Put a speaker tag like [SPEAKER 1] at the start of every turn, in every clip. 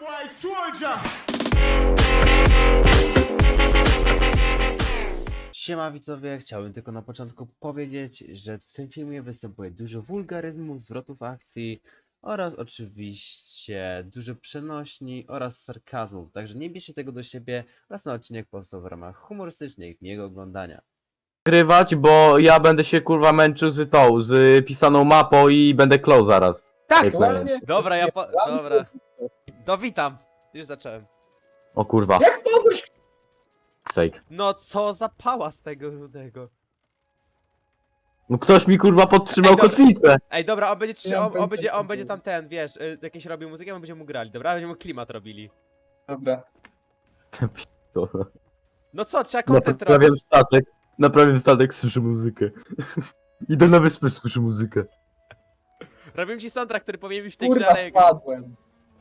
[SPEAKER 1] boy soldier.
[SPEAKER 2] Siema widzowie, chciałbym tylko na początku powiedzieć, że w tym filmie występuje dużo wulgaryzmów, zwrotów akcji oraz oczywiście dużo przenośni oraz sarkazmów, także nie bierzcie tego do siebie oraz ten odcinek powstał w ramach humorystycznej jego oglądania.
[SPEAKER 3] Grywać, bo ja będę się kurwa męczył z pisaną mapą i będę klął zaraz.
[SPEAKER 2] Tak!
[SPEAKER 3] Ej, powiem.
[SPEAKER 2] Dobra, dobra. To witam. Już zacząłem.
[SPEAKER 3] O kurwa.
[SPEAKER 4] Jak mogłeś?
[SPEAKER 3] Sejk.
[SPEAKER 2] No co za pałas tego rudego.
[SPEAKER 3] No ktoś mi kurwa podtrzymał
[SPEAKER 2] Ej, dobra.
[SPEAKER 3] kotwicę.
[SPEAKER 2] Ej, dobra, on będzie,
[SPEAKER 4] Ja mam
[SPEAKER 2] on będzie tam ten, wiesz, jakieś robił muzykę, my będziemy mu grali, dobra? Będziemy mu klimat robili.
[SPEAKER 4] Dobra.
[SPEAKER 3] Dobra.
[SPEAKER 2] No co, trzeba content robić.
[SPEAKER 3] Naprawiam statek, słyszę muzykę. Idę na wyspę, słyszę muzykę.
[SPEAKER 2] Robimy ci soundtrack, który powinien być w tej grze,
[SPEAKER 4] Kurwa,
[SPEAKER 2] ale...
[SPEAKER 4] spadłem.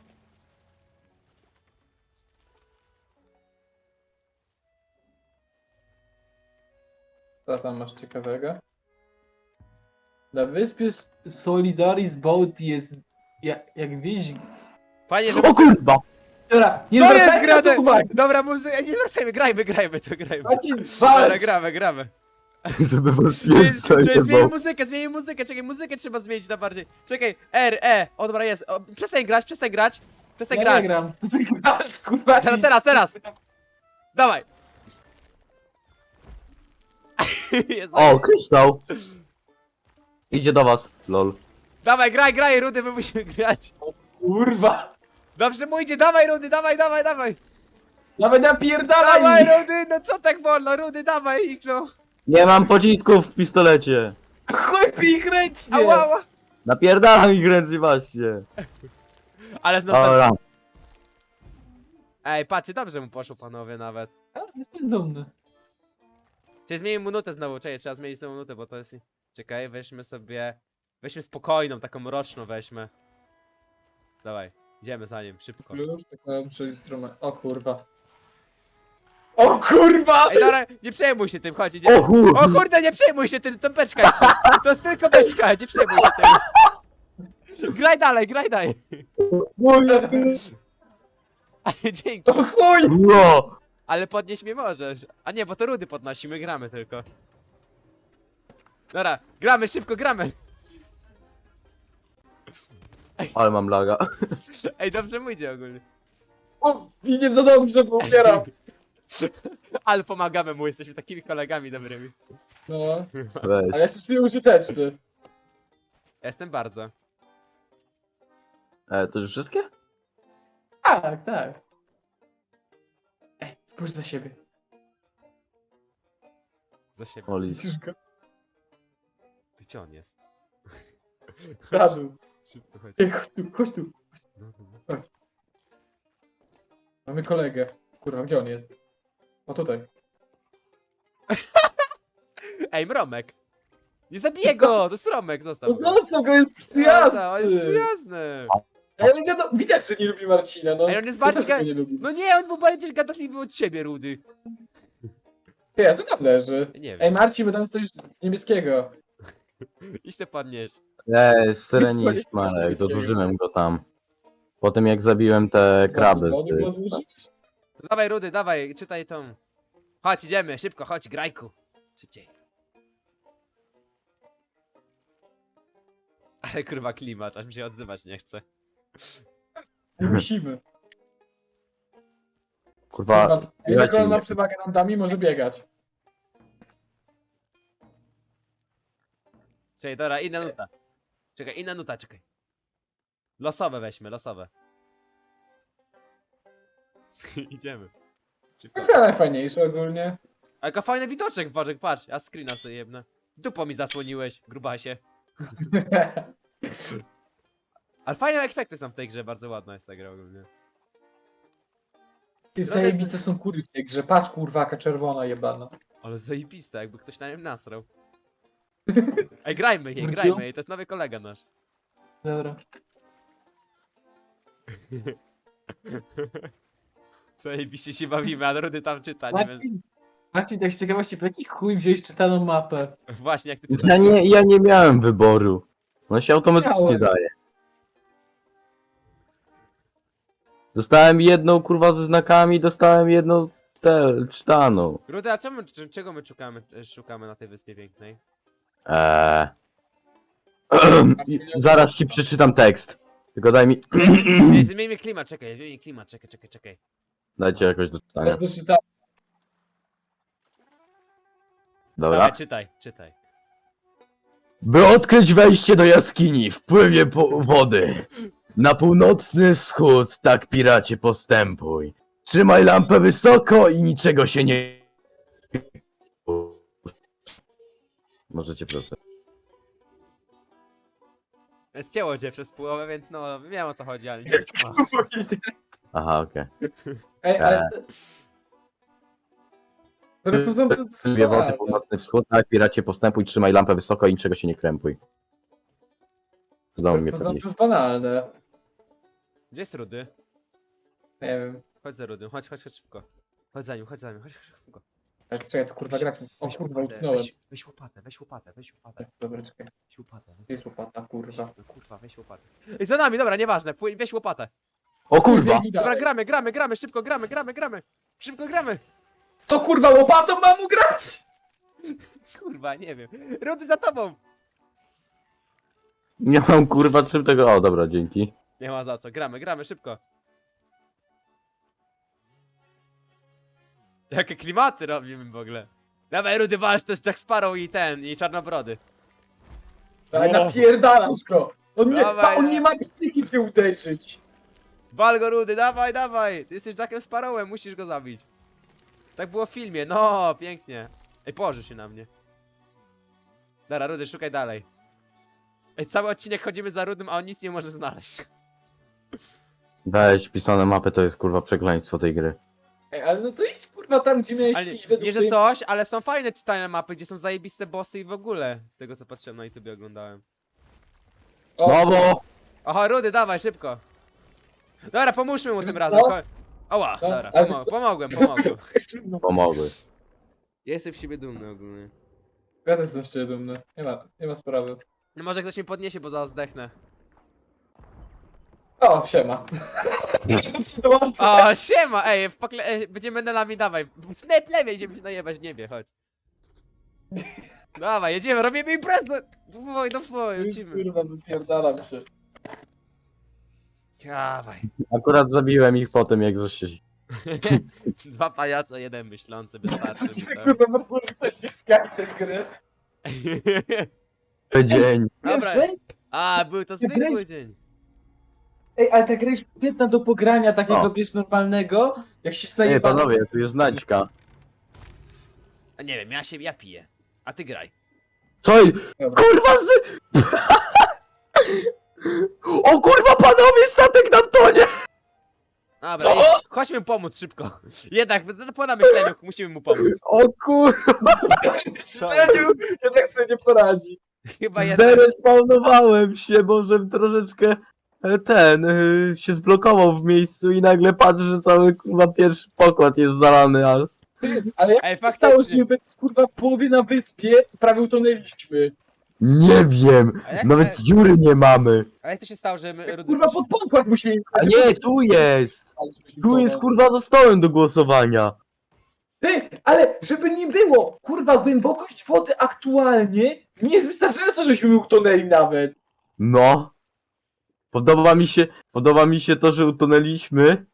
[SPEAKER 4] Co tam masz ciekawego? Na wyspie Solidaris Boat jest jak wieś...
[SPEAKER 2] Fajnie, że...
[SPEAKER 3] O kurwa!
[SPEAKER 4] Dobra, nie
[SPEAKER 2] To jest
[SPEAKER 4] zwracajcie na
[SPEAKER 2] grane!
[SPEAKER 4] to uwagi.
[SPEAKER 2] Dobra, muzyka, nie zwracajmy, grajmy to.
[SPEAKER 4] Macie
[SPEAKER 2] Dobra,
[SPEAKER 4] walcz.
[SPEAKER 2] gramy.
[SPEAKER 3] Żeby was
[SPEAKER 2] Czyli zmienił
[SPEAKER 3] zajebał.
[SPEAKER 2] muzykę, czekaj, muzykę trzeba zmienić na bardziej. Czekaj, o dobra jest, przestań grać. Przestań
[SPEAKER 4] Ja
[SPEAKER 2] grać.
[SPEAKER 4] nie gram. Ty grasz, kurwa.
[SPEAKER 2] Teraz. Dawaj. Jest,
[SPEAKER 3] O, kryształ! Idzie do was, lol.
[SPEAKER 2] Dawaj, graj, Rudy, my musimy grać.
[SPEAKER 4] Kurwa.
[SPEAKER 2] Dobrze mu idzie, dawaj, Rudy, dawaj.
[SPEAKER 4] Nawet napierdalaj
[SPEAKER 2] Dawaj,
[SPEAKER 4] ich.
[SPEAKER 2] Rudy, no co tak wolno, Rudy, dawaj ich, no.
[SPEAKER 3] Nie mam pocisków w pistolecie.
[SPEAKER 4] Chuj ich ręcznie.
[SPEAKER 2] Ała.
[SPEAKER 3] Napierdalam ich ręcznie właśnie.
[SPEAKER 2] Ale znowu...
[SPEAKER 3] Dobra.
[SPEAKER 2] Ej, patrzcie, dobrze mu poszło, panowie, nawet.
[SPEAKER 4] A, jestem dumny.
[SPEAKER 2] Czyli zmienimy minutę znowu, czekaj, trzeba zmienić tę minutę, bo to jest... Czekaj, weźmy sobie... Weźmy spokojną, taką mroczną weźmy. Dawaj, idziemy za nim, szybko.
[SPEAKER 4] Już, tylko muszę instrument. O kurwa. O kurwa!
[SPEAKER 2] Ej, dobra, nie przejmuj się tym, chodź, idziemy.
[SPEAKER 3] O kurwa!
[SPEAKER 2] O kurde, nie przejmuj się tym, to beczka jest. To jest tylko beczka, nie przejmuj się tym. Graj dalej. Dzięki,
[SPEAKER 4] O chuj!
[SPEAKER 3] No!
[SPEAKER 2] ale podnieść mnie możesz. A nie, bo to Rudy podnosi, my gramy tylko. Dobra, gramy, szybko gramy.
[SPEAKER 3] Ale mam laga.
[SPEAKER 2] Ej, dobrze mu idzie ogólnie.
[SPEAKER 4] O, i nie za dobrze, bo umieram.
[SPEAKER 2] Ale pomagamy mu, jesteśmy takimi kolegami dobrymi.
[SPEAKER 4] No,
[SPEAKER 3] Weź.
[SPEAKER 4] a ja się czuję użyteczny.
[SPEAKER 2] Jestem bardzo.
[SPEAKER 3] To już wszystkie?
[SPEAKER 4] Tak. Ej, spójrz za siebie.
[SPEAKER 2] Za siebie.
[SPEAKER 3] Oli.
[SPEAKER 4] Widzisz go?
[SPEAKER 2] Ty gdzie on jest?
[SPEAKER 4] Radł.
[SPEAKER 2] Szybko chodź.
[SPEAKER 4] Ej, chodź tu.
[SPEAKER 2] No.
[SPEAKER 4] Mamy kolegę. Kurwa, gdzie on jest? O, tutaj.
[SPEAKER 2] Ej, Mromek! Nie zabiję go! To jest Romek, zostaw
[SPEAKER 4] No
[SPEAKER 2] go.
[SPEAKER 4] zostaw go, jest
[SPEAKER 2] Prawda, on jest
[SPEAKER 4] przyjazny.
[SPEAKER 2] przyjazny.
[SPEAKER 4] Ale widać, że nie lubi Marcina, no.
[SPEAKER 2] Ej, on jest
[SPEAKER 4] Ja
[SPEAKER 2] bardziej
[SPEAKER 4] też go nie lubi.
[SPEAKER 2] No nie, on był bardziej gadatliwy od ciebie, Rudy.
[SPEAKER 4] Ej, a co tam leży?
[SPEAKER 2] Nie
[SPEAKER 4] Ej,
[SPEAKER 2] wiem.
[SPEAKER 4] Marcin, bo tam jest coś niebieskiego.
[SPEAKER 2] Idź to podnieś.
[SPEAKER 3] Syreniś Marek, dodłużyłem go tam. Po tym jak zabiłem te kraby z
[SPEAKER 4] No,
[SPEAKER 3] tych.
[SPEAKER 2] To dawaj, Rudy, dawaj, czytaj tą. Chodź, idziemy, szybko, chodź, grajku. Szybciej. Ale kurwa klimat, aż mi się odzywać nie chce.
[SPEAKER 4] Nie musimy.
[SPEAKER 3] Kurwa,
[SPEAKER 4] Wiesz, jak on
[SPEAKER 3] ja
[SPEAKER 4] ma
[SPEAKER 3] ci-
[SPEAKER 4] przewagę nad nami, może biegać.
[SPEAKER 2] Czekaj, dobra, inna nuta. Czekaj. Losowe weźmy, losowe. Idziemy. Szybko.
[SPEAKER 4] To najfajniejsze ogólnie.
[SPEAKER 2] Ale jaka fajny widoczek, Bożek, patrz. Ja screena sobie jebnę. Dupo mi zasłoniłeś, grubasie. Ale fajne efekty są w tej grze, bardzo ładna jest ta gra ogólnie.
[SPEAKER 4] Ty zajebiste są kury w tej grze. Patrz, kurwaka czerwona jebana.
[SPEAKER 2] Ale zajebista, jakby ktoś na nim nasrał. Ej, grajmy jej, to jest nowy kolega nasz.
[SPEAKER 4] Dobra.
[SPEAKER 2] Zajebiście się bawimy, a Rudy tam czyta, nie wiem.
[SPEAKER 4] Marcin, tak z ciekawości, po jaki chuj wziąłeś czytaną mapę?
[SPEAKER 2] Właśnie, jak ty czytasz.
[SPEAKER 3] Ja nie miałem wyboru. On się automatycznie
[SPEAKER 4] Miałem.
[SPEAKER 3] daje. Dostałem jedną kurwa ze znakami, dostałem jedną czytaną.
[SPEAKER 2] Rudy, a czego my szukamy na tej wyspie pięknej?
[SPEAKER 3] Eee. Zaraz ci przeczytam tekst. Tylko daj mi.
[SPEAKER 2] Nie, zmieńmy klimat, czekaj, czekaj.
[SPEAKER 3] Dajcie jakoś do czytania.
[SPEAKER 4] Ja doczytałem.
[SPEAKER 3] Dobra.
[SPEAKER 2] Dawaj, czytaj.
[SPEAKER 3] By odkryć wejście do jaskini, wpływie wody. Na północny wschód, tak piracie postępuj. Trzymaj lampę wysoko i niczego się nie... Możecie proszę.
[SPEAKER 2] Zcięło cię przez połowę, więc no, wiem o co chodzi, ale nie. No.
[SPEAKER 3] Aha, okej.
[SPEAKER 4] Ej, ale... Poza tym to
[SPEAKER 3] Wpływie wody,
[SPEAKER 4] jest
[SPEAKER 3] północny wschód, tak piracie postępuj, trzymaj lampę wysoko i niczego się nie krępuj. Znowu mnie
[SPEAKER 4] poza tym to
[SPEAKER 3] podnieś.
[SPEAKER 4] jest banalne.
[SPEAKER 2] Gdzie jest Rudy?
[SPEAKER 4] Nie wiem.
[SPEAKER 2] Chodź za Rudym, chodź szybko. Chodź za nim, chodź szybko.
[SPEAKER 4] Tak, czekaj, to kurwa gra. O
[SPEAKER 2] Weź
[SPEAKER 4] kurwa,
[SPEAKER 2] łopatę,
[SPEAKER 4] utknąłem.
[SPEAKER 2] weź łopatę.
[SPEAKER 4] Dobra, czekaj.
[SPEAKER 2] Weź łopatę.
[SPEAKER 4] Gdzie jest łopata, kurwa?
[SPEAKER 2] No kurwa, weź łopatę. Ej, za nami, dobra, nieważne, weź łopatę.
[SPEAKER 3] O kurwa!
[SPEAKER 2] Dobra, gramy, szybko gramy. Szybko gramy.
[SPEAKER 4] To kurwa łopatą mam ugrać!
[SPEAKER 2] Kurwa, nie wiem. Rudy za tobą.
[SPEAKER 3] Nie mam kurwa czym tego... O, dobra, dzięki.
[SPEAKER 2] Nie ma za co, gramy, szybko. Jakie klimaty robimy w ogóle. Dawaj Rudy, walcz też Jack Sparrow i Czarnobrody.
[SPEAKER 4] Daj,
[SPEAKER 2] O.
[SPEAKER 4] napierdalasz go!
[SPEAKER 2] Dawaj,
[SPEAKER 4] On nie ma psychiki cię uderzyć!
[SPEAKER 2] Wal go Rudy, dawaj! Ty jesteś Jackiem Sparrowem, musisz go zabić. Tak było w filmie, no, pięknie. Ej, położy się na mnie. Dobra, Rudy, szukaj dalej. Ej, cały odcinek chodzimy za Rudym, a on nic nie może znaleźć.
[SPEAKER 3] Weź, pisane mapy to jest kurwa przekleństwo tej gry.
[SPEAKER 4] Ej, ale no to idź kurwa tam, gdzie miałeś
[SPEAKER 2] Ale
[SPEAKER 4] iść według
[SPEAKER 2] nie, że
[SPEAKER 4] tej-
[SPEAKER 2] coś, ale są fajne czytane mapy, gdzie są zajebiste bossy i w ogóle. Z tego co patrzyłem na YouTube oglądałem.
[SPEAKER 4] O,
[SPEAKER 3] Znowu!
[SPEAKER 2] Oho, Rudy, dawaj, szybko. Dobra, pomóżmy mu tym
[SPEAKER 4] Wiesz
[SPEAKER 2] razem.
[SPEAKER 4] co?
[SPEAKER 2] Oła,
[SPEAKER 4] Co?
[SPEAKER 2] dobra,
[SPEAKER 4] Ale wiesz co?
[SPEAKER 2] pomogłem.
[SPEAKER 3] Pomogły.
[SPEAKER 2] Ja jestem w siebie dumny ogólnie.
[SPEAKER 4] Ja też jestem szczerze dumny. Nie ma sprawy.
[SPEAKER 2] No może ktoś mnie podniesie, bo zaraz zdechnę.
[SPEAKER 4] O, siema. Dołączę.
[SPEAKER 2] O, siema, ej, będziemy menelami, dawaj. Snap lewej, idziemy się najebać w niebie, chodź. Dawaj, jedziemy, robimy imprezę! Dawaj, lecimy.
[SPEAKER 4] Kurwa, wypierdalam się.
[SPEAKER 2] Dawaj.
[SPEAKER 3] Akurat zabiłem ich potem, jak żeście się...
[SPEAKER 2] Dwa pajace, jeden myślący, wystarczy mi to.
[SPEAKER 4] Kurwa, bardzo też nie skakać tej gry.
[SPEAKER 3] Dzień.
[SPEAKER 2] Dobra.
[SPEAKER 4] Wiesz,
[SPEAKER 2] A, był to zwykły dzień.
[SPEAKER 4] ej, ale ta gra jest świetna do pogrania takiego,
[SPEAKER 3] O.
[SPEAKER 4] wiesz, normalnego. Jak się staje
[SPEAKER 3] Ej, panowie, tu jest znajdźka.
[SPEAKER 2] A nie wiem, ja piję. A ty graj.
[SPEAKER 3] Co? Kurwa z... O kurwa, panowie, statek nam tonie!
[SPEAKER 2] Dobra, ej, chodźmy mu pomóc szybko. Jednak, po namyśleniu musimy mu pomóc.
[SPEAKER 3] O kurwa,
[SPEAKER 4] Jednak sobie nie poradzi.
[SPEAKER 2] Chyba jednak.
[SPEAKER 3] zderespawnowałem się, bo żem troszeczkę się zblokował w miejscu i nagle patrzę, że cały kurwa pierwszy pokład jest zalany aż.
[SPEAKER 4] Ale jak
[SPEAKER 2] Ej,
[SPEAKER 4] stało
[SPEAKER 2] faktycznie.
[SPEAKER 4] się, kurwa, w połowie na wyspie prawie utonęliśmy.
[SPEAKER 3] Nie wiem,
[SPEAKER 2] A jak-
[SPEAKER 3] nawet dziury nie mamy.
[SPEAKER 2] A jak to się stało, że my Rudy
[SPEAKER 4] Kurwa, pod pokład musieli...
[SPEAKER 3] A nie, tu jest! Tu jest kurwa za stołem do głosowania.
[SPEAKER 4] Ty, ale żeby nie było, kurwa, głębokość wody aktualnie nie jest wystarczająco, żeśmy utonęli nawet.
[SPEAKER 3] No. Podoba mi się to, że utonęliśmy.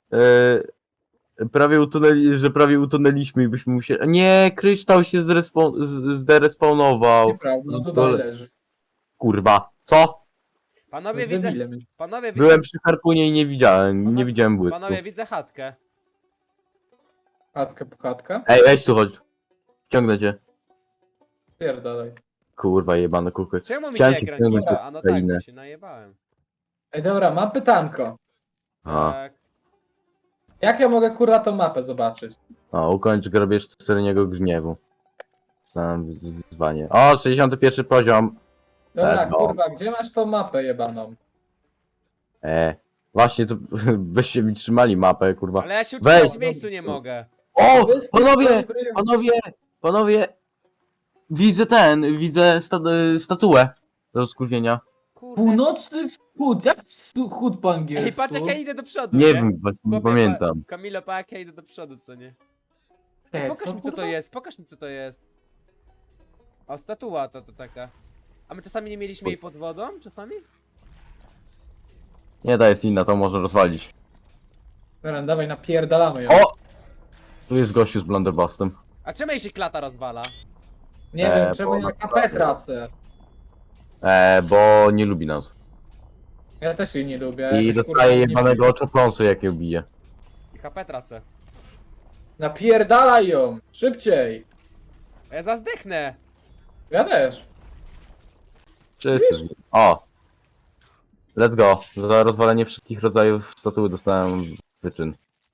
[SPEAKER 3] Prawie utonęliśmy i byśmy musieli... Nie, kryształ się zderespawnował.
[SPEAKER 4] Nieprawda, no to
[SPEAKER 3] Dole.
[SPEAKER 4] dalej leży.
[SPEAKER 3] Kurwa. Co?
[SPEAKER 2] Panowie, panowie,
[SPEAKER 3] Byłem przy harpunie i nie widziałem błysku.
[SPEAKER 2] Panowie, widzę chatkę.
[SPEAKER 4] Chatka po chatka.
[SPEAKER 3] Ej, weź tu chodź. Ciągnę cię.
[SPEAKER 4] Pierdalaj.
[SPEAKER 3] Kurwa, jebane kuchy.
[SPEAKER 2] Czemu mi się
[SPEAKER 3] Chciałem ci
[SPEAKER 2] ekran
[SPEAKER 3] wciągnąć
[SPEAKER 2] kiwa? A no tak,
[SPEAKER 3] Ukrainę.
[SPEAKER 2] bo się najebałem.
[SPEAKER 4] Ej, dobra, mam pytanko.
[SPEAKER 3] A,
[SPEAKER 2] Tak.
[SPEAKER 4] Jak ja mogę, kurwa, tą mapę zobaczyć?
[SPEAKER 3] ukończ grabież syreniego gniewu. Znam wyzwanie. O, 61 poziom.
[SPEAKER 4] Dobra,
[SPEAKER 3] Let's go.
[SPEAKER 4] kurwa, gdzie masz tą mapę jebaną?
[SPEAKER 3] Właśnie, to byście mi trzymali mapę, kurwa.
[SPEAKER 2] Ale ja się
[SPEAKER 3] Weź.
[SPEAKER 2] utrzymać w miejscu nie mogę.
[SPEAKER 3] O!
[SPEAKER 4] Wyspy,
[SPEAKER 3] Panowie!
[SPEAKER 4] dobry.
[SPEAKER 3] Panowie! Widzę statuę do skurwienia.
[SPEAKER 2] Kurde.
[SPEAKER 4] Północny wschód, jak wschód po angielsku?
[SPEAKER 2] Ej, patrz jak ja idę do przodu,
[SPEAKER 3] Nie
[SPEAKER 2] nie?
[SPEAKER 3] wiem, właśnie nie
[SPEAKER 2] Chłopie,
[SPEAKER 3] pamiętam.
[SPEAKER 2] Kamilo, pa jak ja idę do przodu, co nie?
[SPEAKER 4] Ej,
[SPEAKER 2] Pokaż mi co to
[SPEAKER 4] kurwa?
[SPEAKER 2] jest, pokaż mi co to jest. O, statua to taka. A my czasami nie mieliśmy jej pod wodą? Czasami?
[SPEAKER 3] Nie, ta jest inna, to można rozwalić.
[SPEAKER 4] Dobra, dawaj, napierdalamy ją.
[SPEAKER 3] O! Tu jest gościu z blunderbustem.
[SPEAKER 2] A czemu jej się klata rozwala?
[SPEAKER 4] Nie wiem,
[SPEAKER 3] bo
[SPEAKER 4] czemu ja
[SPEAKER 3] ona-
[SPEAKER 4] KP tracę.
[SPEAKER 3] Bo nie lubi nas.
[SPEAKER 4] Ja też jej nie lubię.
[SPEAKER 3] I
[SPEAKER 4] jakoś,
[SPEAKER 3] dostaje
[SPEAKER 4] kurwa,
[SPEAKER 3] jebanego
[SPEAKER 4] nie-
[SPEAKER 3] oczopląsu, jak ją bije.
[SPEAKER 2] I HP tracę.
[SPEAKER 4] Napierdalaj ją! Szybciej!
[SPEAKER 2] A ja zazdechnę!
[SPEAKER 4] Ja też.
[SPEAKER 3] Wszyscy żyją. O! Let's go. Za rozwalenie wszystkich rodzajów statuły dostałem wyczyn.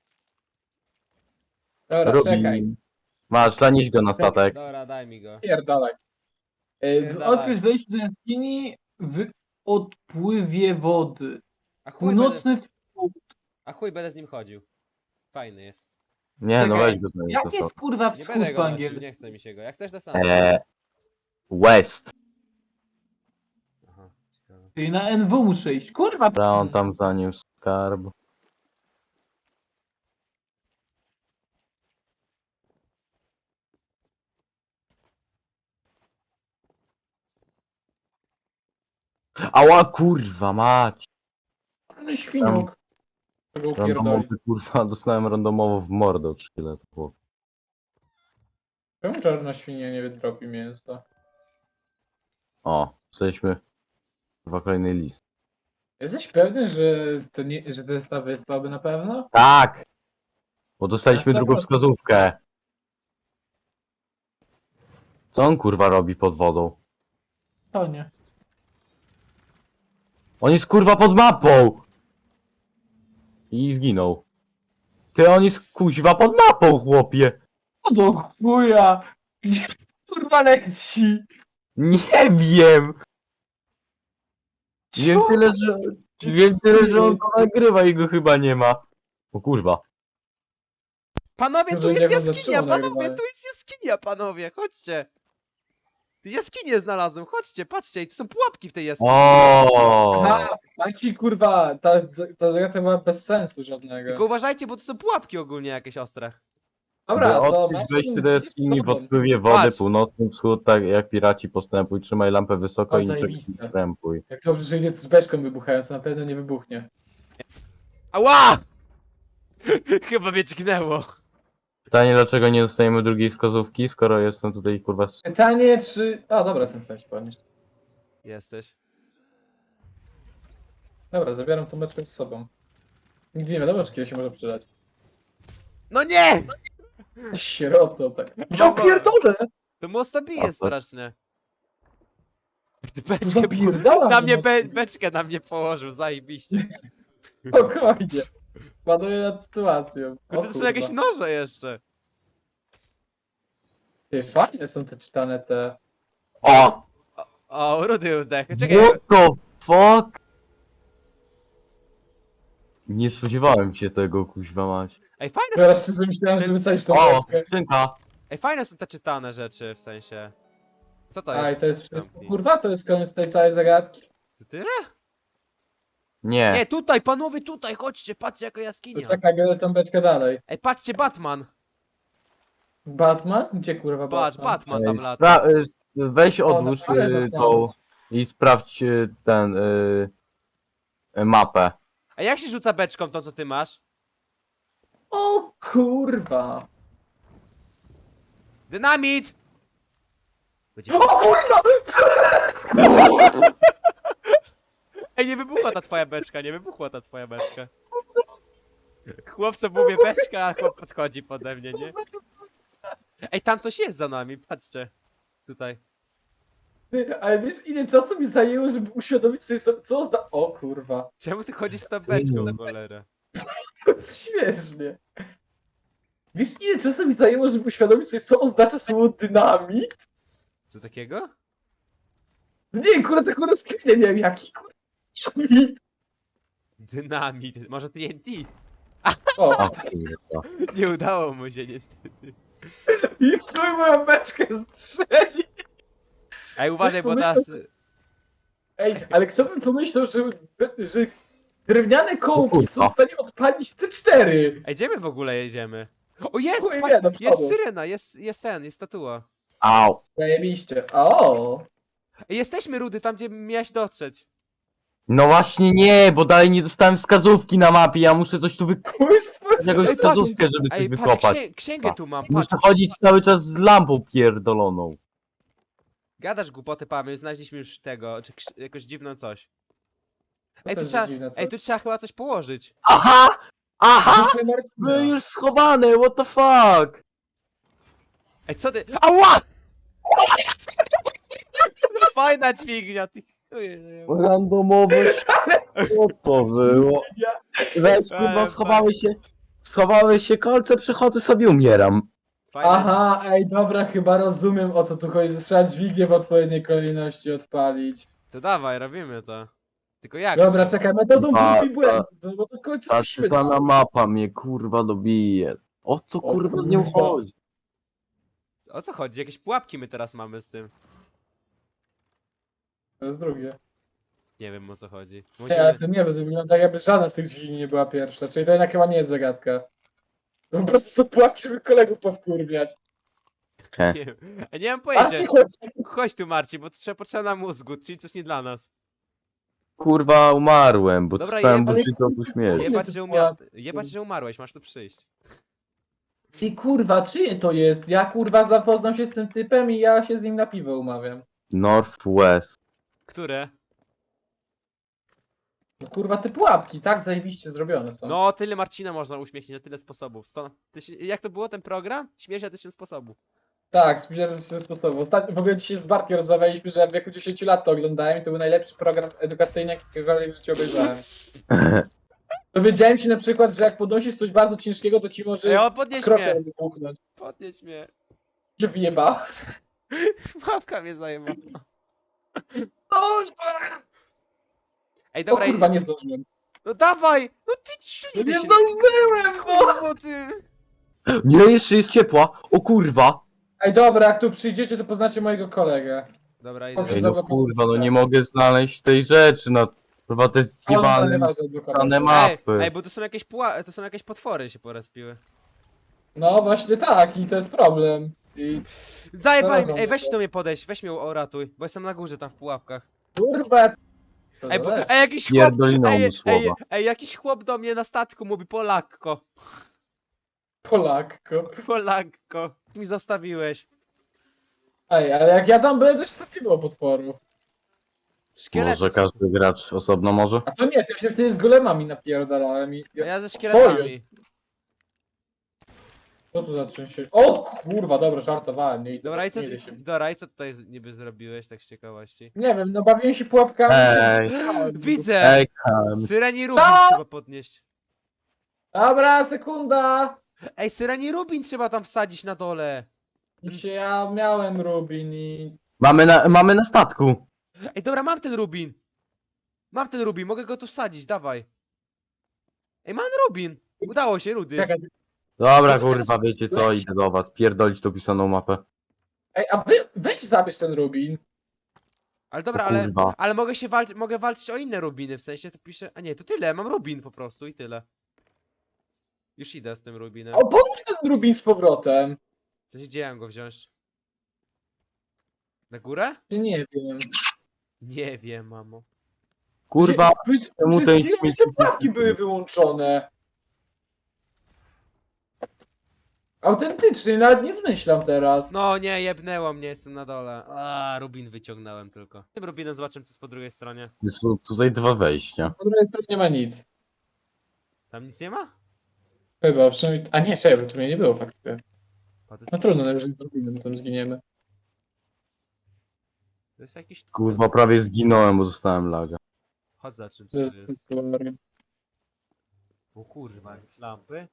[SPEAKER 4] Dobra, czekaj.
[SPEAKER 3] Masz, zanieś go na statek.
[SPEAKER 2] Dobra, daj mi go.
[SPEAKER 4] Pierdalaj.
[SPEAKER 2] Pierdalaj.
[SPEAKER 4] Odkryć wejście do jaskini w odpływie wody.
[SPEAKER 2] A chuj, będę,
[SPEAKER 4] Północny wschód.
[SPEAKER 2] a chuj będę z nim chodził. Fajny jest.
[SPEAKER 3] Nie, no
[SPEAKER 4] Czekaj,
[SPEAKER 3] weź go zanieś
[SPEAKER 4] Jak
[SPEAKER 3] do
[SPEAKER 4] jest
[SPEAKER 3] statek.
[SPEAKER 4] kurwa
[SPEAKER 2] Nie
[SPEAKER 4] wschód
[SPEAKER 2] będę
[SPEAKER 4] po
[SPEAKER 2] go nosił,
[SPEAKER 4] angielsku?
[SPEAKER 2] nie chce mi się go. Jak chcesz to sam.
[SPEAKER 3] West.
[SPEAKER 2] Aha, ciekawe.
[SPEAKER 4] Czyli na NW muszę iść. Kurwa!
[SPEAKER 3] Dobra, on tam zaniósł skarb. Ała kurwa mać.
[SPEAKER 4] No świniuk. Tego upierdoli.
[SPEAKER 3] Randomowy kurwa, dostałem randomowo w mordę od szkieletu.
[SPEAKER 4] Czemu czarna świnia nie wydrobi mięsa?
[SPEAKER 3] O, jesteśmy. Chyba kolejny list.
[SPEAKER 4] Jesteś pewny, że to nie, że to jest ta wyspa, by na pewno?
[SPEAKER 3] Tak! Bo dostaliśmy
[SPEAKER 4] Na
[SPEAKER 3] drugą
[SPEAKER 4] pewno.
[SPEAKER 3] wskazówkę. Co on kurwa robi pod wodą?
[SPEAKER 4] To nie.
[SPEAKER 3] On jest kurwa pod mapą! I zginął. Ty, on jest kuźwa pod mapą, chłopie!
[SPEAKER 4] O do chuja! Gdzie kurwa leci?
[SPEAKER 3] Nie wiem! Wiem tyle, że... Wiem tyle, że on to nagrywa i go chyba nie ma. O kurwa.
[SPEAKER 2] Panowie, tu
[SPEAKER 4] Może
[SPEAKER 2] jest
[SPEAKER 4] nie wiem,
[SPEAKER 2] jaskinia,
[SPEAKER 4] dlaczego
[SPEAKER 2] panowie,
[SPEAKER 4] nagrywałem.
[SPEAKER 2] tu jest jaskinia, panowie, chodźcie. Tu jaskinię znalazłem, chodźcie, patrzcie, i tu są pułapki w tej jaskini.
[SPEAKER 3] O.
[SPEAKER 4] Aha, Marci kurwa, ta zagadka była bez sensu żadnego.
[SPEAKER 2] Tylko uważajcie, bo tu są pułapki ogólnie jakieś ostre.
[SPEAKER 4] Dobra,
[SPEAKER 3] By
[SPEAKER 4] to
[SPEAKER 3] odkryć
[SPEAKER 4] Marcin,
[SPEAKER 3] wejście do jaskini w
[SPEAKER 4] problem.
[SPEAKER 3] odpływie wody,
[SPEAKER 2] Patrz.
[SPEAKER 3] północny wschód, tak jak piraci postępuj, trzymaj lampę wysoko
[SPEAKER 4] O,
[SPEAKER 3] i niczego
[SPEAKER 4] zajebiste.
[SPEAKER 3] nie krępuj.
[SPEAKER 4] Jak dobrze, że idę z beczką wybuchającą, na pewno nie wybuchnie.
[SPEAKER 2] Ała! Chyba mnie dźgnęło.
[SPEAKER 3] Pytanie, dlaczego nie dostajemy drugiej wskazówki, skoro jestem tutaj kurwa...
[SPEAKER 4] Pytanie, czy... A, dobra, jestem w stanie się podnieść.
[SPEAKER 2] Jesteś.
[SPEAKER 4] Dobra, zabieram tą beczkę ze sobą. Nigdy nie wiadomo, czy kiedyś się może przydać.
[SPEAKER 2] No nie!
[SPEAKER 4] Sierotą, tak.
[SPEAKER 2] Ja
[SPEAKER 4] pierdolę!
[SPEAKER 2] To mocno bije
[SPEAKER 3] A, to-
[SPEAKER 2] strasznie. Ty beczkę
[SPEAKER 4] Zapierdalam
[SPEAKER 2] na mnie
[SPEAKER 4] mocno.
[SPEAKER 2] beczkę na mnie położył, zajebiście.
[SPEAKER 4] Spokojnie. Panuję nad sytuacją. O
[SPEAKER 2] Kurde, to są
[SPEAKER 4] kurwa.
[SPEAKER 2] jakieś noże jeszcze.
[SPEAKER 4] Ty, fajne są te czytane te...
[SPEAKER 3] O!
[SPEAKER 2] O, Rudy zdech. Czekaj,
[SPEAKER 3] What the fuck? Nie spodziewałem się tego, kuźwa mać.
[SPEAKER 2] ej, fajne
[SPEAKER 4] Teraz
[SPEAKER 2] są,
[SPEAKER 4] szczerze myślałem, że wystawisz tą
[SPEAKER 3] O,
[SPEAKER 4] beczkę.
[SPEAKER 3] skrzynka.
[SPEAKER 2] ej, fajne są te czytane rzeczy, w sensie. Co to jest?
[SPEAKER 4] A, i to jest wszystko.
[SPEAKER 2] Zamknij.
[SPEAKER 4] Kurwa, to jest koniec tej całej zagadki.
[SPEAKER 2] To tyle?
[SPEAKER 3] Nie.
[SPEAKER 2] Nie, tutaj, panowie, tutaj, chodźcie, patrzcie jaka
[SPEAKER 4] To
[SPEAKER 2] jaskinia.
[SPEAKER 4] czekaj, biorę tą beczkę dalej.
[SPEAKER 2] Ej, patrzcie, Batman.
[SPEAKER 4] Batman? Gdzie kurwa
[SPEAKER 2] Patrz,
[SPEAKER 4] Batman?
[SPEAKER 2] Batman tam lata.
[SPEAKER 3] Weź odłóż
[SPEAKER 4] na parę
[SPEAKER 3] tą i sprawdź ten mapę.
[SPEAKER 2] A jak się rzuca beczką tą, co ty masz?
[SPEAKER 4] O kurwa!
[SPEAKER 2] Dynamit! Będzie...
[SPEAKER 4] O kurwa!
[SPEAKER 2] Ej, nie wybuchła ta twoja beczka, nie wybuchła ta twoja beczka. Chłop sobie mówię beczka, a chłop podchodzi pode mnie, nie? Ej, tam coś jest za nami, patrzcie. Tutaj.
[SPEAKER 4] Ty, ale wiesz ile czasu mi zajęło, żeby uświadomić sobie co zda... O kurwa.
[SPEAKER 2] Czemu ty chodzisz z tą beczką, cholera?
[SPEAKER 4] To jest śmiesznie. Wiesz ile czasu mi zajęło, żeby uświadomić sobie co oznacza słowo dynamit?
[SPEAKER 2] Co takiego?
[SPEAKER 4] No nie, kurwa, taką rozkminę miałem jaki kurwa. Dynamit.
[SPEAKER 2] Dynamit, może TNT?
[SPEAKER 4] O,
[SPEAKER 3] O kurwa.
[SPEAKER 2] Nie udało mu się niestety.
[SPEAKER 4] i chuj moją beczkę strzeli.
[SPEAKER 2] Ej, uważaj, bo
[SPEAKER 4] pomyślał-
[SPEAKER 2] teraz...
[SPEAKER 4] Ej, ale kto by pomyślał, że drewniane kołki są
[SPEAKER 3] kurwa.
[SPEAKER 4] w stanie odpalić te 4?
[SPEAKER 2] Ej, gdzie my w ogóle jedziemy? O, jest!
[SPEAKER 4] Chuj wie,
[SPEAKER 2] Patrz,
[SPEAKER 4] do
[SPEAKER 2] jest
[SPEAKER 4] przodu.
[SPEAKER 2] syrena, jest statua.
[SPEAKER 3] Au.
[SPEAKER 4] Zajebiście. O!
[SPEAKER 2] Ej, jesteśmy, Rudy, tam gdzie miałeś dotrzeć.
[SPEAKER 3] No właśnie nie, bo dalej nie dostałem wskazówki na mapie, ja muszę coś tu
[SPEAKER 4] Kurstwo!
[SPEAKER 3] jakąś
[SPEAKER 2] Ej, patrz.
[SPEAKER 3] wskazówkę, żeby coś
[SPEAKER 2] Ej, patrz,
[SPEAKER 3] wykopać.
[SPEAKER 2] księgę tu mam,
[SPEAKER 3] I
[SPEAKER 2] patrz.
[SPEAKER 3] muszę chodzić cały czas z lampą pierdoloną.
[SPEAKER 2] Gadasz głupoty, Paweł, znaleźliśmy już tego, czy jakoś dziwną coś. Ej,
[SPEAKER 4] to
[SPEAKER 2] tu
[SPEAKER 4] jest
[SPEAKER 2] trzeba,
[SPEAKER 4] dziwne, co?
[SPEAKER 2] ej, tu trzeba chyba coś położyć.
[SPEAKER 3] Aha! Aha!
[SPEAKER 4] Zróbmy Marcina.
[SPEAKER 3] Były już schowane, what the fuck?
[SPEAKER 2] Ej, co ty? Ała! Fajna dźwignia, ty chuje.
[SPEAKER 3] Randomowe. Co to było? Weź kurwa, schowały się kolce, przychodzę sobie, umieram.
[SPEAKER 2] Fajna
[SPEAKER 4] Aha, ej, dobra, chyba rozumiem, o co tu chodzi. Trzeba dźwignię w odpowiedniej kolejności odpalić.
[SPEAKER 2] To dawaj, robimy to. Tylko jak?
[SPEAKER 4] Dobra, czekaj, metodą
[SPEAKER 3] A,
[SPEAKER 4] prób i błędów, bo to w końcu
[SPEAKER 3] Ta
[SPEAKER 4] musimy
[SPEAKER 3] czytana mapa mnie kurwa dobije. O co
[SPEAKER 4] O
[SPEAKER 3] kurwa z nią
[SPEAKER 4] kurwa.
[SPEAKER 3] chodzi?
[SPEAKER 2] O co chodzi? Jakieś pułapki my teraz mamy z tym.
[SPEAKER 4] To jest drugie.
[SPEAKER 2] Nie wiem o co chodzi.
[SPEAKER 4] Nie, ale
[SPEAKER 2] Musimy...
[SPEAKER 4] to nie, bo to wygląda jakby żadna z tych dźwigni nie była pierwsza, czyli to jednak chyba nie jest zagadka. To po prostu są pułapki, żeby kolegów powkurwiać.
[SPEAKER 2] Nie wiem. Ej, nie mam
[SPEAKER 4] A
[SPEAKER 2] pojęcia.
[SPEAKER 4] ty chodź.
[SPEAKER 2] Chodź tu, Marcin, bo to potrzeba na mózgu, czyli coś nie dla nas.
[SPEAKER 3] Kurwa umarłem, bo
[SPEAKER 2] Dobra,
[SPEAKER 3] czytałem
[SPEAKER 2] jebać-
[SPEAKER 3] buczy to śmierci.
[SPEAKER 2] Jebać, że umarłeś, masz tu przyjść.
[SPEAKER 4] Ty kurwa, czyje to jest? Ja kurwa zapoznam się z tym typem i ja się z nim na piwo umawiam.
[SPEAKER 3] Northwest.
[SPEAKER 2] Które?
[SPEAKER 4] No kurwa, te pułapki, tak zajebiście zrobione są.
[SPEAKER 2] No, tyle Marcina można uśmiechnić na tyle sposobów. Jak to było ten program? Śmiech na 1000 sposobów.
[SPEAKER 4] Tak, spójrzałem z sposobu. Ostatnio w ogóle dzisiaj z Bartkiem rozmawialiśmy, że w wieku 10 lat to oglądałem i to był najlepszy program edukacyjny, jakikolwiek w życiu obejrzałem. Dowiedziałem się na przykład, że jak podnosisz coś bardzo ciężkiego, to ci może
[SPEAKER 2] Ej, o, podnieś
[SPEAKER 4] krocze
[SPEAKER 2] mnie!
[SPEAKER 4] wybuchnąć.
[SPEAKER 2] Podnieś mnie.
[SPEAKER 4] Że wyjeba.
[SPEAKER 2] Łapka mnie zajęła.
[SPEAKER 4] No,
[SPEAKER 2] Ej,
[SPEAKER 4] o
[SPEAKER 2] dobra,
[SPEAKER 4] kurwa, nie zdążyłem.
[SPEAKER 2] no dawaj! No ty
[SPEAKER 4] No
[SPEAKER 2] ty
[SPEAKER 4] nie
[SPEAKER 2] się...
[SPEAKER 4] zdążyłem, no!
[SPEAKER 2] Kurwa, ty!
[SPEAKER 3] Nie, jeszcze jest ciepła. O kurwa.
[SPEAKER 4] Ej, dobra, jak tu przyjdziecie, to poznacie mojego kolegę.
[SPEAKER 2] Dobra,
[SPEAKER 4] Ej,
[SPEAKER 2] idę.
[SPEAKER 3] Ej, no kurwa, no nie mogę znaleźć tej rzeczy, no. Kurwa, te
[SPEAKER 4] On
[SPEAKER 3] zjebane
[SPEAKER 4] nieważne do kolega.
[SPEAKER 3] dane
[SPEAKER 2] Ej,
[SPEAKER 3] mapy.
[SPEAKER 2] ej, bo to są jakieś to są jakieś potwory się porespiły.
[SPEAKER 4] No właśnie tak, i to jest problem. I
[SPEAKER 2] Zajebali mnie!
[SPEAKER 4] Dobra,
[SPEAKER 2] Ej, weź
[SPEAKER 4] dobra.
[SPEAKER 2] do mnie podejść, weź mnie uratuj, bo jestem na górze tam w pułapkach.
[SPEAKER 4] kurwa. To
[SPEAKER 2] Ej,
[SPEAKER 4] zależy.
[SPEAKER 2] ej jakiś chłop!
[SPEAKER 3] Pierdoliną mu
[SPEAKER 2] Ej,
[SPEAKER 3] słowa.
[SPEAKER 2] jakiś chłop do mnie na statku mówi Polakko.
[SPEAKER 4] Polakko.
[SPEAKER 2] Polakko. Mi zostawiłeś.
[SPEAKER 4] Ej, ale jak ja tam byłem, też takiego potworu.
[SPEAKER 2] Szkielety
[SPEAKER 3] Może
[SPEAKER 2] są.
[SPEAKER 3] każdy gracz osobno może?
[SPEAKER 4] A to nie, to ja się wtedy z golemami napierdalałem i...
[SPEAKER 2] A ja ze szkieletami.
[SPEAKER 4] Co tu za czymś się... O kurwa, dobra, żartowałem. Nie,
[SPEAKER 2] Dobra, i co,
[SPEAKER 4] nie idę się.
[SPEAKER 2] dobra, i co tutaj niby zrobiłeś, tak z ciekawości?
[SPEAKER 4] Nie wiem, no bawiłem się pułapkami.
[SPEAKER 3] Ej,
[SPEAKER 2] Widzę!
[SPEAKER 3] ej, Kam.
[SPEAKER 2] Syreni Rubin
[SPEAKER 4] No!
[SPEAKER 2] trzeba podnieść.
[SPEAKER 4] Dobra, sekunda!
[SPEAKER 2] Ej, Syreni Rubin trzeba tam wsadzić na dole.
[SPEAKER 4] Dzisiaj ja miałem Rubin i...
[SPEAKER 3] Mamy na statku.
[SPEAKER 2] Ej, dobra, mam ten Rubin. Mam ten Rubin, mogę go tu wsadzić, dawaj. Ej, mam Rubin. Udało się, Rudy.
[SPEAKER 4] Czekaj.
[SPEAKER 3] Dobra, kurwa, wiecie co, idę do was. Pierdolić tą pisaną mapę.
[SPEAKER 4] Ej, a weź zabierz ten Rubin.
[SPEAKER 2] Ale dobra,
[SPEAKER 3] O kurwa.
[SPEAKER 2] ale mogę walczyć o inne Rubiny, w sensie to piszę... A nie, to tyle, mam Rubin po prostu i tyle. Już idę z tym Rubinem.
[SPEAKER 4] O, pomóż ten Rubin z powrotem.
[SPEAKER 2] Co się dzieje, mam go wziąć? Na górę?
[SPEAKER 4] Nie wiem.
[SPEAKER 2] Nie wiem, mamo.
[SPEAKER 3] Kurwa,
[SPEAKER 4] Przed
[SPEAKER 3] czemu
[SPEAKER 4] chwilą
[SPEAKER 3] ten
[SPEAKER 4] te
[SPEAKER 3] śmieci...
[SPEAKER 4] pułapki były wyłączone. Autentycznie, nawet nie zmyślam teraz.
[SPEAKER 2] No nie, jebnęło mnie, jestem na dole. A, Rubin wyciągnąłem tylko. Tym Rubinem zobaczymy, co jest po drugiej stronie.
[SPEAKER 3] Są tutaj dwa wejścia.
[SPEAKER 4] Po drugiej stronie nie ma nic.
[SPEAKER 2] Tam nic nie ma?
[SPEAKER 4] Chyba, przynajmniej... A nie, czekaj, bo tu mnie nie było faktycznie.
[SPEAKER 2] O, to jest
[SPEAKER 4] No
[SPEAKER 2] jakiś,
[SPEAKER 4] trudno, najwyżej z Rubinem tam zginiemy.
[SPEAKER 2] to jest jakiś...
[SPEAKER 3] Kurwa, prawie zginąłem, bo dostałem laga.
[SPEAKER 2] Chodź za czym,
[SPEAKER 4] To
[SPEAKER 2] co
[SPEAKER 4] jest-
[SPEAKER 2] to
[SPEAKER 4] to
[SPEAKER 2] jest.
[SPEAKER 4] jest teoria.
[SPEAKER 2] O kurwa, jakieś lampy?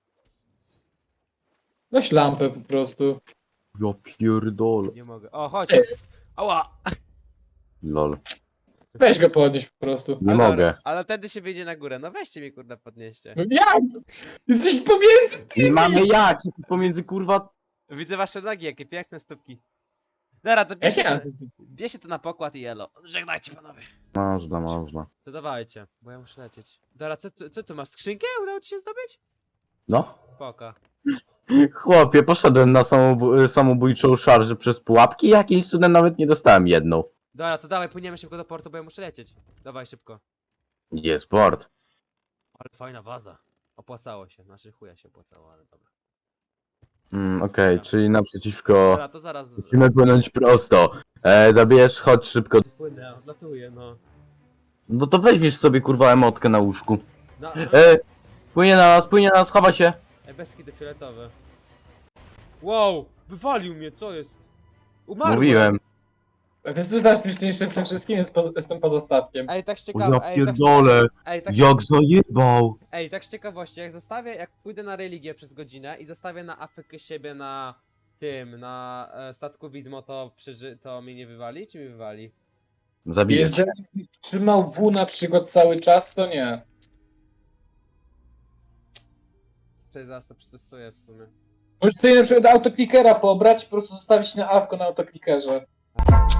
[SPEAKER 4] Weź lampę po prostu.
[SPEAKER 3] Ja pierdolę.
[SPEAKER 2] Nie mogę. O, chodź!
[SPEAKER 4] Ej.
[SPEAKER 2] Ała!
[SPEAKER 3] Lol.
[SPEAKER 4] Weź go podnieść po prostu.
[SPEAKER 3] Nie
[SPEAKER 2] Ale
[SPEAKER 3] mogę.
[SPEAKER 2] dobra, ale wtedy się wyjdzie na górę. No weźcie mnie, kurwa, podnieście.
[SPEAKER 4] No jak? Jesteś pomiędzy
[SPEAKER 3] Nie
[SPEAKER 4] tymi!
[SPEAKER 3] mamy jak, jest pomiędzy kurwa...
[SPEAKER 2] Widzę wasze nogi, jakie piękne stópki. Dobra, to
[SPEAKER 4] Ja się...
[SPEAKER 2] bierzcie to na pokład i elo. Żegnajcie, panowie.
[SPEAKER 3] Można.
[SPEAKER 2] To dawajcie, bo ja muszę lecieć. Dobra, co tu masz? Skrzynkę? Udało ci się zdobyć?
[SPEAKER 3] No.
[SPEAKER 2] Poka.
[SPEAKER 3] Chłopie, poszedłem na samobójczą szarżę przez pułapki i jakimś cudem nawet nie dostałem jedną.
[SPEAKER 2] Dobra, to dawaj, płyniemy szybko do portu, bo ja muszę lecieć. Dawaj szybko.
[SPEAKER 3] Jest port.
[SPEAKER 2] Ale fajna waza. Opłacało się, znaczy chuja się opłacało, ale dobra.
[SPEAKER 3] Okej, czyli naprzeciwko...
[SPEAKER 2] Dobra, to zaraz...
[SPEAKER 3] Musimy płynąć prosto. Zabierz, chodź szybko.
[SPEAKER 2] Płynę, odlatuję, no.
[SPEAKER 3] No to weźmiesz sobie kurwa emotkę na łóżku.
[SPEAKER 2] No,
[SPEAKER 3] Płynie na nas, chowa się.
[SPEAKER 2] bez kitu fioletowe. Wow! Wywalił mnie, co jest? Umarłem!
[SPEAKER 3] Mówiłem.
[SPEAKER 4] Wiesz, co jest najśmieszniejsze z tym wszystkim? Jestem poza statkiem.
[SPEAKER 2] Ej, tak z
[SPEAKER 3] Ja
[SPEAKER 2] ciekawe,
[SPEAKER 3] pierdolę. Jak zajebał.
[SPEAKER 2] Ej, tak z ciekawości, jak pójdę na religię przez godzinę i zostawię na afekę siebie na statku widmo, to mnie nie wywali, czy mi wywali?
[SPEAKER 3] Zabijesz.
[SPEAKER 4] Jeżeli trzymał W na przykład cały czas, to nie.
[SPEAKER 2] Cześć, zaraz to przetestuję w sumie.
[SPEAKER 4] Możesz sobie na przykład autoklikera pobrać i po prostu zostawić na awko na autoklikerze.